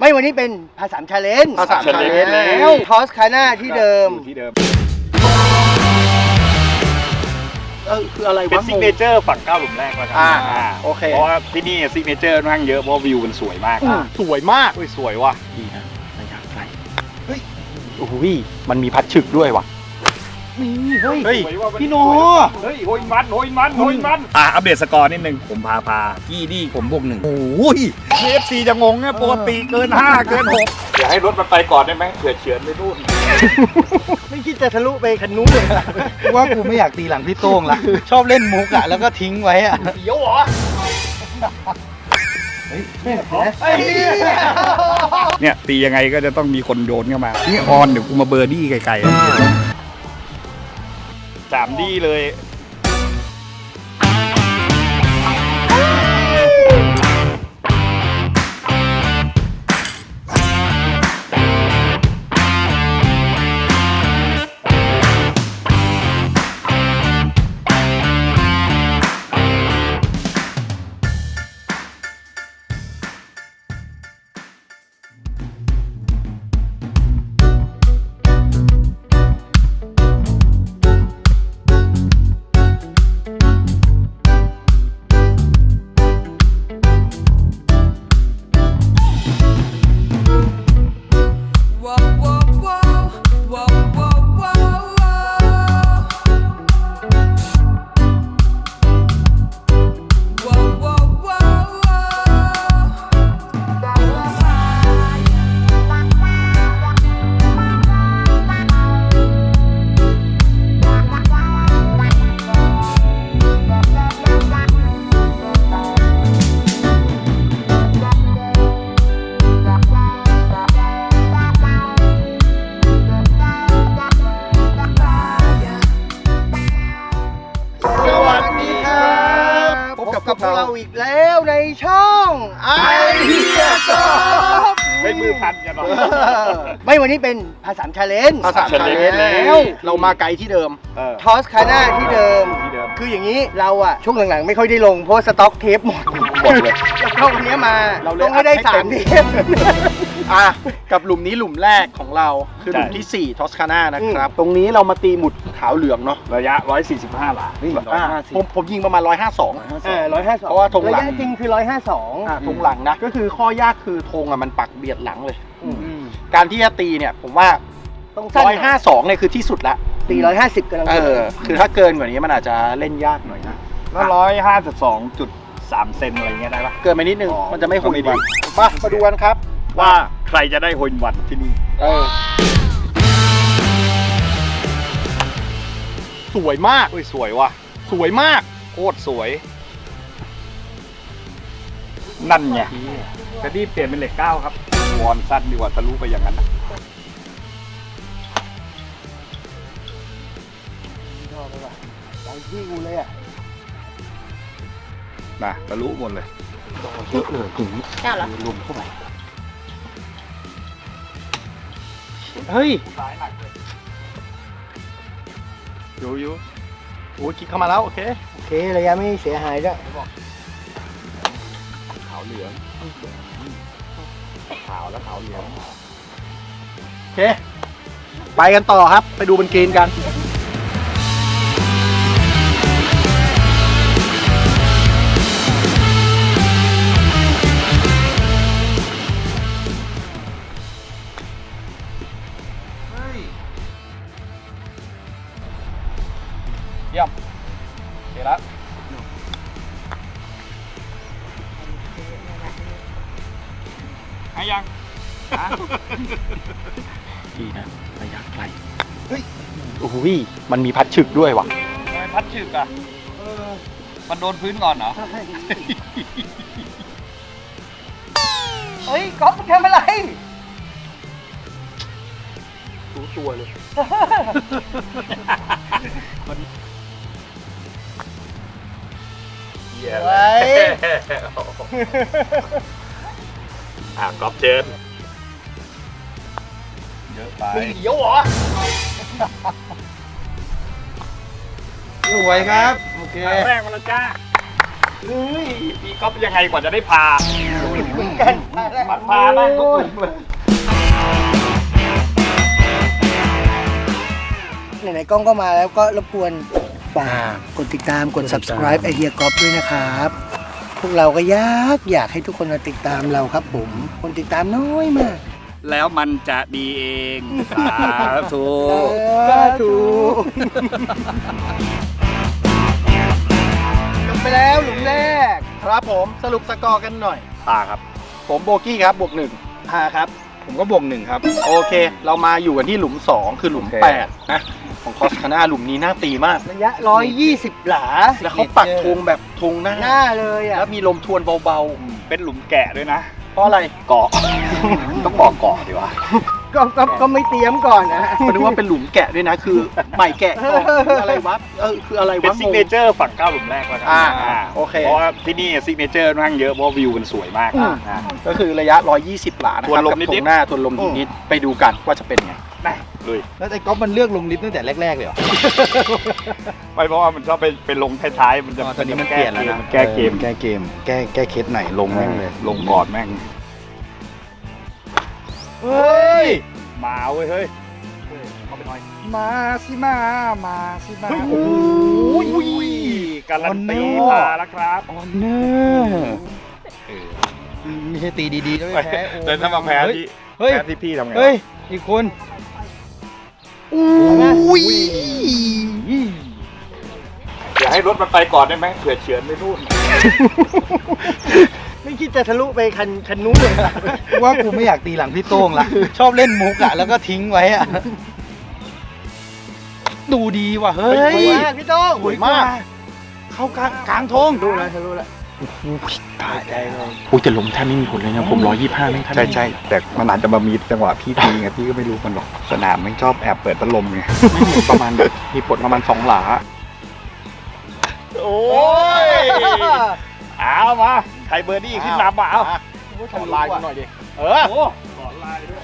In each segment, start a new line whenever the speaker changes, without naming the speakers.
ไม่วันนี้เป็นภาษาชาเลนจ์
ภาษาชาเลนจ์
แล้วทอสคาน่าที่เดิม
คืออะไร
เป็น
วะ
ซิกเนเจอร์ฝั่ง9หลุมแรกแล้วกัน
โอเค
เพราะว่าที่นี่ซิกเนเจอร์ค่อนข้างเยอะเพราะวิวมันสวยมาก
สวยมาก
สวยว่ะ
ดีนะระยะไกลเฮ้ยโอ้โหมันมีพัดฉึกด้วยว่ะนี่เฮ้ยพี่โน
เฮ้ยโฮอินวันอัปเดตสกอร์นิดนึงผมพากี้ดีผมบวก1โอ้ย KFC จะงงเนี่ยปกติเกิน5เกิน6อย่าให้รถมันไปก่อนได้ไหมเผื่อเฉือนไปนู่น
ไม่คิดจะทะลุไปคันนู้นเลย
ว่ากูไม่อยากตีหลังพี่โต้งละชอบเล่นมุกอะแล้วก็ทิ้งไว้อะ
เดี๋ยวเหรอ
เนี่ยตียังไงก็จะต้องมีคนโยนเข้ามานี่ออนเดี๋ยวกูมาเบอร์ดี้ไกลๆ3ดีเลย
กับพวกเราอีกแล้วในช่องไอเดียจบ
ไม่มือพันกันหรอ
ไม่วันนี้เป็นภาษาชาเลนจ์
ภาษาชาเลนจ์แล้วเรามาไกลที่เดิม
ทอสคาน่าที่เดิมคืออย่างนี้เราอะช่วงหลังๆไม่ค่อยได้ลงเพราะสต็อกเทปหมดเลยแล้วก็วันนี้มาต้องให้ได้3เทป
กับหลุมนี้หลุมแรกของเราคือหลุมที่4ทอสคาน่านะครับตรงนี้เรามาตีหมุดขาวเหลืองเนาะ
ระยะ145 หลา
ผมยิงประมาณ152
152
เพราะว่าธงหลัง
ระยะจริงคือ152
ธงหลังนะก็คือข้อยากคือธงมันปักเบียดหลังเลยการที่จะตีเนี่ยผมว่า
ต้อง
152เนี่ยคือที่สุดละ
ตี150กำลัง
คือถ้าเกินกว่านี้มันอาจจะเล่นยากหน่อยนะ
152.3 เซนอะไรเงี้ยได้ปะ
เกินไปนิดนึงมันจะไม่โฮอินวันมาดูกันครับ
ว่าใครจะได้โฮอินวันที่นี่
สวยมาก
สวยว่ะ
สวยมาก
โคตรสวยนั่นไงจะรีบเปลี่ยนเป็นเหล็ก9ครับวอนสั้นดีกว่าทะลุไปอย่างนั้นนะ
ใจที่กูเลยอ่ะ
ทะลุหมดเลย
เยอะเลยถึง
เจ้าเหรอ
รวมเข้าไปเฮ้ยอยู่โอ้ยคิดเข้ามาแล้วโอเค
ระยะไม่เสียหายด้วย
ขาวเหลืองขาวแล้วขาวเหลือง
โอเคไปกันต่อครับไปดูบนกรีนกันเยี่ยมโอเคแล้ว
ให้ยัง
ดีนะระยะไกลเฮ้ยโอ้โหมันมีพัดฉึกด้วยว่ะ
พัดฉึกอ่ะมันโดนพื้นก่อนเหรอ
เฮ้ยก๊อฟทำอะไร
รู้ตัวเลย
เฮ้ย
ก๊อฟเชิญเยอะไป
เดี๋ยวเหรอ
สวยครับโอเค
แรกมาแล้วจ้าเฮ้ยพี่ก๊อฟยังไงกว่าจะได้พา
กัน
มาพาบ้างทุกกลุ่มเลย
ไหนๆกล้องก็มาแล้วก็รบกวนฝากกดติดตามกด subscribe ไอเฮียก๊อฟด้วยนะครับ พวกเราก็อยากให้ทุกคนมาติดตามเราครับผม คนติดตามน้อยมาก
แล้วมันจะดีเองสาธุ
สาธุจบไปแล้วหลุมแรก
ครับผมสรุปสกอร์กันหน่อย
ตาครับ
ผมโบกี้ครับบวก1พาครับ ผมก็บวก1ครับ โอเค เรามาอยู่กันที่หลุม 2 คือหลุม
โอเค
8 นะ ของคอสคาน่าหลุมนี้น่าตีมาก
ระยะ 120 หลา
แล้วเขาปักธงแบบธงหน้า
หน้าเลยอ่ะ
แล้วมีลมทวนเบา
เป็นหลุมแกะด้วยนะ
ๆ เพราะอะไร
เกาะ ต้องบอกเกาะดีวะ
ก็ไม่เตรียมก่อนนะ
ผมนึกว่าเป็นหลุมแกะด้วยนะ คือใหม่แกะก่อนคืออะไรวะคืออะไร
เป็น
วะ
ซิกเนเจอร์ฝั่ง9หลุมแรกแล้วกัน
โอเค
เพราะว่าที่นี่ซิกเนเจอร์นั่งเยอะเพราะวิวมันสวยมากอ่า
ก็คือระยะ 120 หลานะ
ทว
คน รับ
ลม
กับ
นิดๆ
ธงหน้าทวนลมนิดๆไปดูกันว่าจะเป็นไง
นะลุย
แล้วไอ้ก๊อฟมันเลือกลงลิฟต์ตั้งแต่แรกๆเลยเหรอ
ไม่เพราะว่ามันชอบไปลงท้ายๆมันจะ
ตอนนี้มันเปลี่ยนแล้วนะ
แก้เกม
แก้เกม แก้เคสไหนลงแม่งเลย
ลงก่อนแม่ง
เฮ้ย
มาเว้ยเฮ้ย
มาสิมาสิมา
โอ้ยการันตีมาแล้วครับ
ออนเนอร์ไม่ใช่ตีดีๆแล้วไม่แพ้โอ้
แต่ถ้ามาแพ้
เฮ้ย
ที่
เฮ้ย
แพ้ที่พี่ทำไง
เฮ้ย อีกคน
อุ้ย
อย่าให้รถมันไปก่อนได้ไหมเผื่อเฉือนไปนู่น
ไม่คิดจะทะลุไปคันนู้นเลย
ว่ากูไม่อยากตีหลังพี่โต้งละ ชอบเล่นมุกอะแล้วก็ทิ้งไว้อะดูดีว่ะเฮ้
ส
ย
วยมากพี่โต้ง
สวยมาก เข้ากลางธง
รู้แล้วทะลุแล้ว
ตายใจเลย
โอ้ยแต่ลมแทบไม่มีผลเลยนะ ผม 125ไม่ทัน
ใช่แต่มันอาจจะมามีจังหวะพี่ทีไงพี่ก็ไม่รู้มันหรอกสนามมันชอบแอบเปิดพัดลมไง
ไม่เหมือนประมาณแบบมีผลประมาณ2 หลา
โอ้ยเอามาใครเบอร์ดี้ขึ้นนำมาเอา
ขอไลน์กูหน่อยดิ
เออโอ้ขอไลน์ด้วย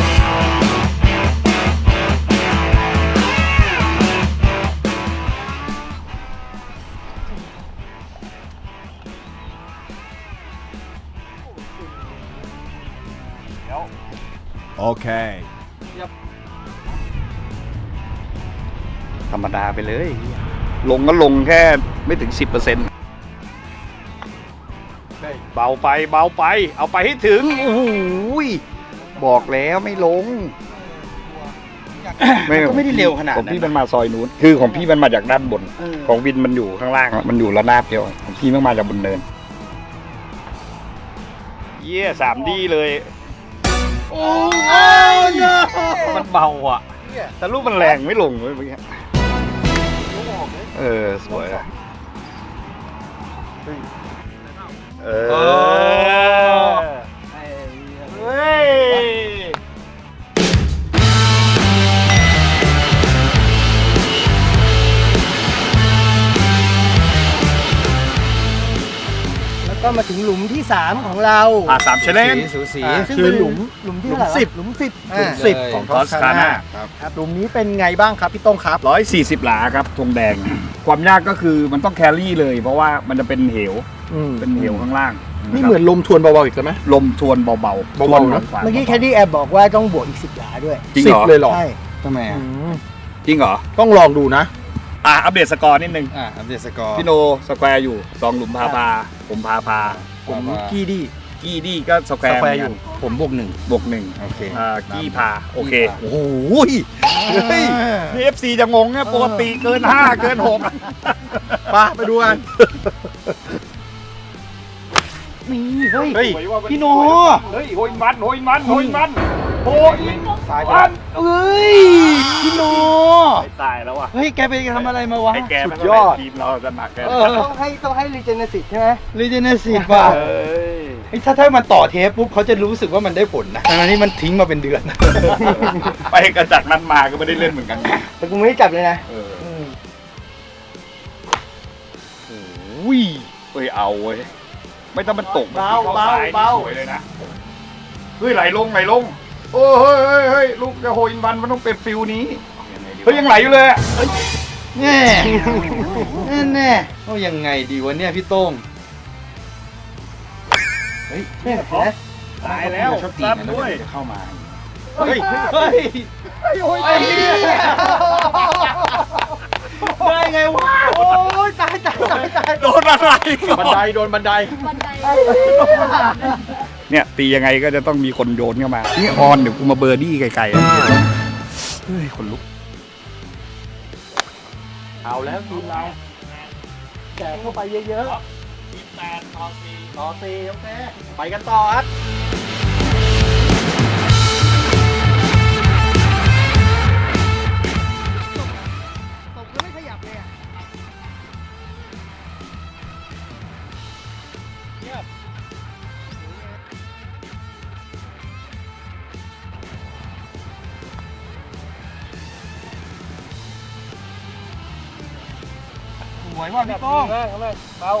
Okay.
ธรรมดาไปเลย ลงก็ลงแค่ไม่ถึง 10%เบาไปเอาไปให้ถึงโอ้โหบอกแล้วไม่ลง
ก็ไม่ได้เร็วขนาด
ของ
นั้น
พี่มันมาซอยนู้นคือของพี่มันมาจากด้านบน ของวินมันอยู่ข้างล่างมันอยู่ระนาบเดียวของพี่มันมาจากบนเนินเยี่ย3D เลย
โอ้ย
มันเบาอ่ะแต่ลูกมันแรงไม่ลงเลยเมื่อกี้สวยอะเฮ้ย
แล้วก็มาถึงหลุมที่ 3 ของเรา
3 challenge
สูสี
ซึ่งเป็นหลุมที่เท่าไหร่วะหลุม 10
หลุม 10
ของ Toscana
ครับหลุมนี้เป็นไงบ้างครับพี่โต้งครับ
140 หลาครับธงแดง ความยากก็คือมันต้องแครี่เลย เพราะว่ามันจะเป็นเหวเป็นเหวข้างล่าง
นี่เหมือนลมทวนเบาๆอีกแล้วไหม
ลมทวนเบาๆ
เบาๆ
ทวน
นะ
ขวา
เมื่อกี้แคดดี้แอบบอกว่าต้องบวกอีก 10 หลาด้วย
จริงเหรอ
10เลยเหรอ
ใช่
ทำไมอ่ะ
จริงเหรอ
ต้องลองดูนะ
อัปเดตสกอร์นิดนึง
อัปเดตสกอร์
พี่โนสแควร์อยู่2หลุมพาผมพา
ผมกี้ดี้
กี้ดี้ก็สแควร์
อยู่ ผมบวก
บวก
1 โอเค
กี้พาโอเค
กี้พา
โอ้โหเฮ้ยนี่ FC จะงงเนี่ยปกติเกิน5เกิน6
ไปดูกัน
นี่เฮ้ย
เฮ้ย พี่โน
เฮ้ยโหยมันโหยมัน
ตายไปแล้วเอ้ย พี่โน
ตายแล้วว่ะ
เฮ้ย แกไปทำอะไรมาวะ
ไอ้แก
สุ
มัน
ด
ก็
ยอด
เป็นทีมเราจะหนักแก
ต้องให้รีเจนสิตใช่ไหม
รีเจเนซีฟว่ะ
เอ้ย
เฮ้ยถ้ามันต่อเทปปุ๊บเขาจะรู้สึกว่ามันได้ผลนะทั้งที่มันทิ้งมาเป็นเดือน
ไปกระจักนั้นมาก็ไม่ได้เล่นเหมือนกัน
แต่กูไม่ได้จับเลยนะ
อุ้ยเฮ้ยเอาเว้ยไม่ต้องมันตก
เบาเบา
สวยเลยนะเฮ้ยไหลลงโอ้เฮ้ยลูกจะโหยอินวันมันต้องเป็นฟิลนี้เฮ้ยยังไหลอยู่เลยอะ
แน่แน่โอ้ยังไงดีวะเนี่ยพี่โต้งเฮ้ย
เนี่ยเห็นไหม
ตายแล้วซัดด้วย
จะเข้ามา
เฮ้ยเฮ้ยโอ้ยได้ไงวะโอ้ยตาย
โดนอะไร
บันไดโดนบันได
บันได
เนี่ยตียังไงก็จะต้องมีคนโยนเข้ามานี่ออนเดี๋ยวกูมาเบอร์ดี้ไกลๆอะเฮ้ยคนลุก
เอาแล้วทีมเราแจกเข้าไปเยอะๆ8 ต่อ 4 โอเคไปกันต่อครับ
ตกก็ไม่ขยับเลยอ่ะ
สวยว่ะพี่ก้อง
เบา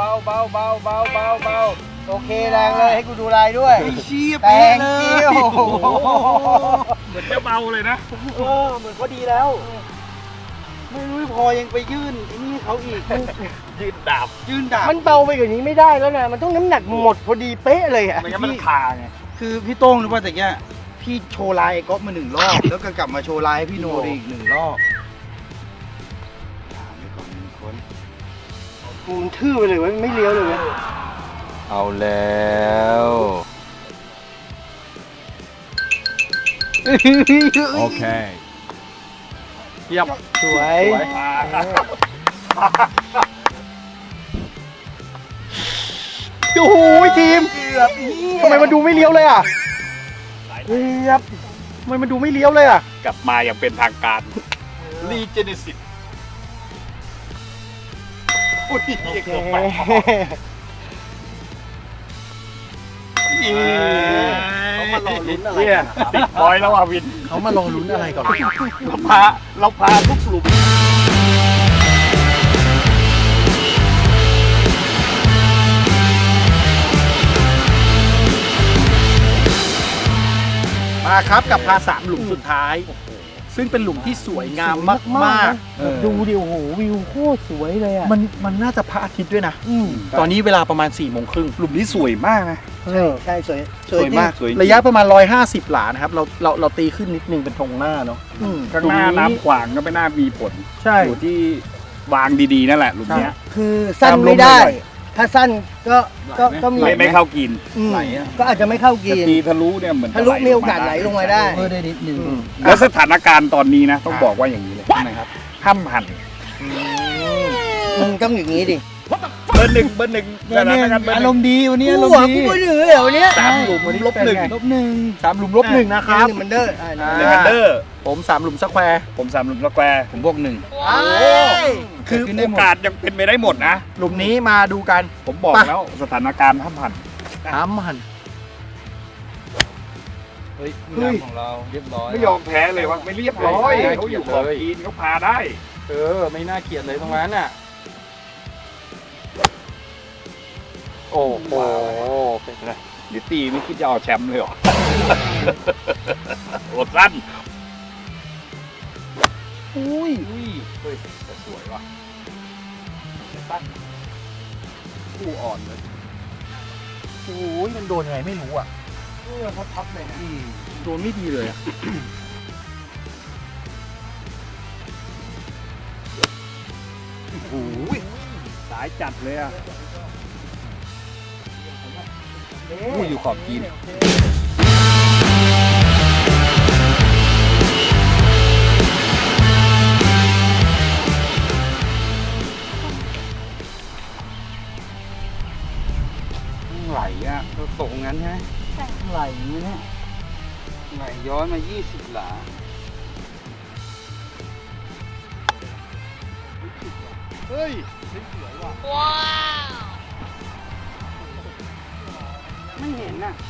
โอเคแรงเลยให้กูดูลายด้วย
ชี้
แตงกิ้ว
เหมือนจะเบาเลยนะ
เหมือนพอดีแล้ว
ไม่รู้พอยังไปยื่นไอ้นี่เขาอีก
ยืดดาบ
ยื่นดาบ
มันเบาไปกว่านี้ไม่ได้แล้วนะมันต้องน้ำหนักหมดพอดีเป๊ะเลยอ่ะ
ไม่งั้นมันคาไง
คือพี่โต้งรู้ป่ะแต่เนี้ยพี่โชว์ลายไอ้ก๊อฟมา1 รอบ แล้วก็กลับมาโชว์ลายให้พี่โนอีก1 รอบถามไปก่อน1 คน
มันทื่อไปเลยเว้ยไม่เลี้ยวเลยเว้ย
เอาแล้ว
โอเค
เทียบ
สวย
โอ้โหทีมทำไมมันดูไม่เลี้ยวเลยอ่ะเทียบทำไมมันดูไม่เลี้ยวเลยอ่ะ
กลับมาอย่างเป็นทางการรีเจเนซิสอุ้ยเกือบไป
เขามารอลุ้นอะไร
เนี่ยติดบอยแล้วอ่ะวิน
เขามารอลุ้นอะไรก่อน
เราพาทุกกลุ่ม
มาครับกับพา3 หลุมสุดท้าย ซึ่งเป็นหลุมที่สวยงามมาก
ดูดิโอ้โหวิวโคตรสวยเลยอ่ะ
มันน่าจะพระอาทิตย์ด้วยนะ ตอนนี้เวลาประมาณ4 โมงครึ่ง
หลุมนี้สวยมากนะ
ใช่สวย
สวยมากสวย
ระยะประมาณ150 หลานะครับเราตีขึ้นนิดนึงเป็นธงหน้าเนาะ
ข้างหน้าน้ำขวางก็ไม่น่ามีผล
ใช่
อยู่ที่วางดีๆนั่นแหละหลุมเนี้ย
คือสั้นไม่ได้ ถ้าสั้นก็มี
ไม่เข้ากิน
ไหลอ่ะ
ก็อาจจะไม่เข้ากิ
จะ
น
ตีทะลุเนี่ยเหมือน
ทะลุมีโอกาสไหลลงมาได้
เพิ่มได้นิดนึง
แล้วสถานการณ์ตอนนี้นะ ต้องบอกว่าอย่างนี้เลยนะครับห้ามหัน
มึงต้องอย่างนี้ดิ
เบอร์หนึ่งสถานการณ์เบอร์
อา
ห
ร
นึ่ง
มณ์ดีวันนี้อารม
กู
ณ์ดี
ไม่เหนือเหรอเนี่ย
3 หลุมลบ 1
ลบหนึ่ง
3 หลุมลบ 1 นะครับ
1มันเด้อ
เดนเดอร์
ผม 3 หลุมสแควร์
ผม3หลุมสแควร์
ผมบวก
คือโอกาสยังเป็นไปได้หมดนะ
หลุมนี้มาดูกัน
ผมบอก
ไป
แล้วสถานการณ์ห้ามหัน
หัน
1เฮ้ยงานของเราเรียบร้อย
ไม่ยอมแพ้เลยว่าไม่เรียบร้อยเขาอยู่ขอบกินเขาพาได้
ไม่น่าเกลียดเลยตรงนั้นอ่ะโอ้โหเป็นไง
นิตีไม่คิดจะเอาแชมป์เลยเหรอ โอดสั้น
อุ้ย
เฮ้ยแต่สวยว่ะ
คู่อ่อนเลยโอ้ยมันโดนไงไม่รู้อ่ะทับเลยนะโดนไม่ดีเลยอ่ะ
โอ้ยสายจัดเลยอ่ะ
ผู้อยู่ขอบกิน
ไหลอ่ะ
ตกงั้นใช่ไหม
ไหลเนี่ย
ไหลย้อนมา20 หลา
เฮ้ย
ไม่เห็นน่ะ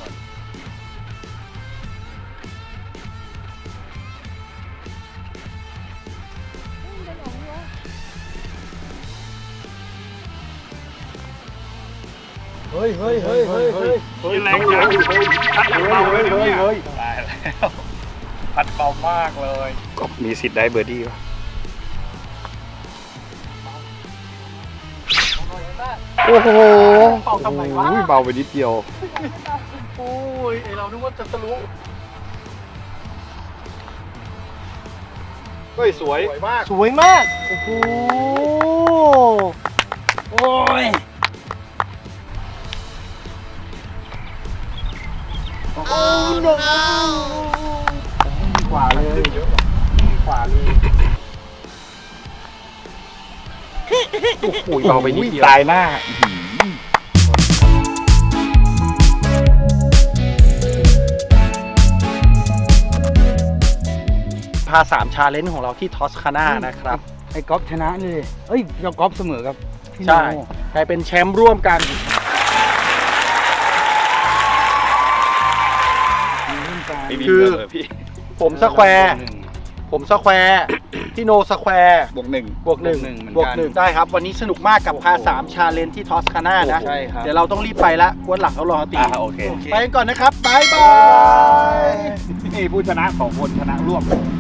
นี่แรงจังพัดเบาเลยเนี่ยตายแล้วพัดเบามากเลยก็มีสิทธิ์ได้เบอร์ดี้ป่ะ
โอ้โห
เป่าทำไมวะ
โอ้ยเบาไปนิดเดียว
โอ้ยไอเรานึกว่าจะทะลุ
เฮ้ยสวย
สวยมาก
สวยมาก โอ้โห
โอ้ย
โอ้โห
ขวาเลยขวาเลยโอ้โหเบาไปนิดเดียว
ตายหน้า
พา3ชาเลนจ์ของเราที่ทอสคาน่านะครับ
ไอ้ก๊อฟชนะเลยเอ้ยเจ้าก๊อฟเสมอกับพี่โน
ใช่กลายเป็นแชมป์ร่วมกัน
ไม่มี
คือ
เรื่องเลยพี่
ผมสแควร์ ผมสแควร์พี่โนสแควร์
บวกหนึ่ง
บวกหนึ่ง
เหมือนกัน
บวกหนึ่งได้ครับ วันนี้สนุกมากกับพา3ชาเลนจ์ที่ทอสคาน่านะ
ใช่ครับ
เดี๋ยวเราต้องรีบไปละกวนหลังเขารอตี
โอเค
ไปกันก่อนนะครับ บ๊ายบาย
นี่ผู้ชนะ2 คนชนะร่วม